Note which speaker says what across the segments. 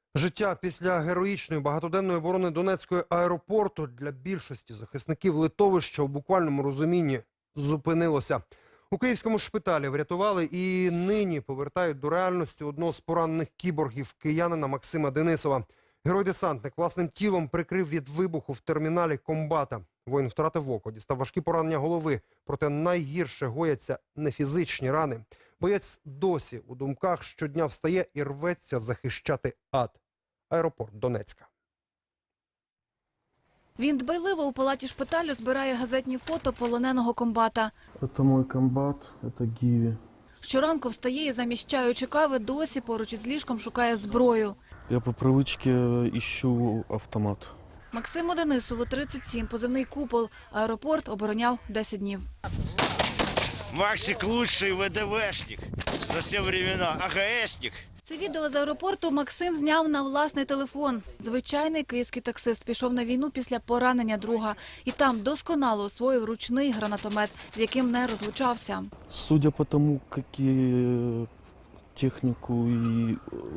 Speaker 1: Життя після героїчної багатоденної оборони Донецького аеропорту для більшості захисників литовища у буквальному розумінні зупинилося. У київському шпиталі врятували і нині повертають до реальності одного з поранених кіборгів киянина Максима Денисова. Герой-десантник власним тілом прикрив від вибуху в терміналі комбата. Воїн втратив око, дістав важкі поранення голови. Проте найгірше гояться не фізичні рани. Боєць досі у думках щодня встає і рветься захищати ад. Аеропорт Донецька.
Speaker 2: Він дбайливо у палаті шпиталю збирає газетні фото полоненого комбата.
Speaker 3: Это мой комбат, это Гиви.
Speaker 2: Щоранку встає і, заміщаючи кави, досі поруч із ліжком шукає зброю.
Speaker 3: Я по привычке ищу автомат.
Speaker 2: Максиму Денисову 37, позивний «Купол». Аеропорт обороняв 10 днів.
Speaker 4: Максик лучший ВДВшник за все времена, АГСник.
Speaker 2: Це відео з аеропорту Максим зняв на власний телефон. Звичайний київський таксист пішов на війну після поранення друга. І там досконало освоїв ручний гранатомет, з яким не розлучався.
Speaker 3: Судя по тому, какие технику и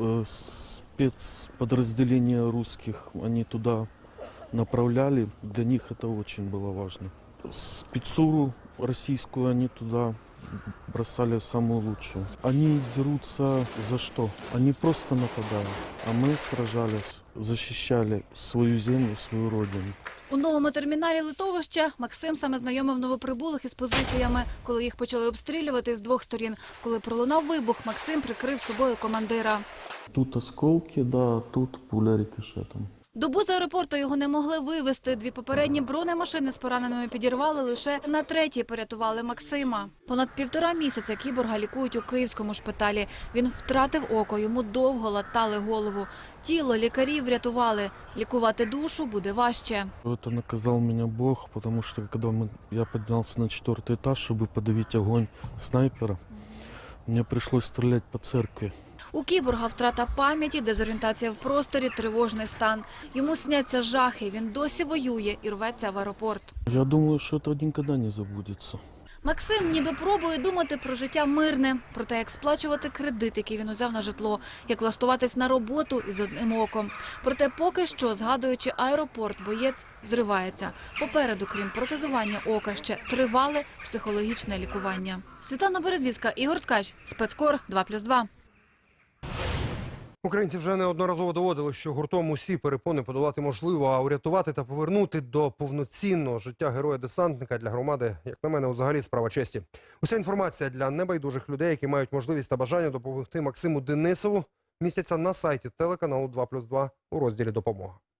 Speaker 3: спецподразделения русских они туда направляли, для них это очень было важно. Спецуру российскую они туда бросали самую лучшую. Они дерутся за что? Они просто нападают, а мы сражались, защищали свою землю, свою родину.
Speaker 2: У новому терміналі литовища Максим саме знайомив новоприбулих із позиціями, коли їх почали обстрілювати з двох сторін. Коли пролунав вибух, Максим прикрив собою командира.
Speaker 3: Тут осколки, да, тут пуля рикошетом.
Speaker 2: Добу з аеропорту його не могли вивезти. Дві попередні бронемашини з пораненими підірвали, лише на третій порятували Максима. Понад 1,5 місяця кіборга лікують у київському шпиталі. Він втратив око, йому довго латали голову. Тіло лікарі врятували. Лікувати душу буде важче.
Speaker 3: Это наказал меня Бог, потому что когда я поднялся на 4-й этаж, чтобы подавить огонь снайпера, мне пришлось стрелять по церкви.
Speaker 2: У кіборга втрата пам'яті, дезорієнтація в просторі, тривожний стан. Йому сняться жахи, він досі воює і рветься в аеропорт.
Speaker 3: Я думаю, что это никогда не забудется.
Speaker 2: Максим ніби пробує думати про життя мирне, про те, як сплачувати кредит, який він узяв на житло, як влаштуватись на роботу із одним оком. Проте поки що, згадуючи аеропорт, боєць зривається. Попереду, крім протезування ока, ще тривале психологічне лікування. Світлана Березівська, Ігор Ткач, Спецкор 2+2.
Speaker 1: Українці вже неодноразово доводили, що гуртом усі перепони подолати можливо, а урятувати та повернути до повноцінного життя героя-десантника для громади, як на мене, взагалі справа честі. Уся інформація для небайдужих людей, які мають можливість та бажання допомогти Максиму Денисову, містяться на сайті телеканалу 2+2 у розділі «Допомога».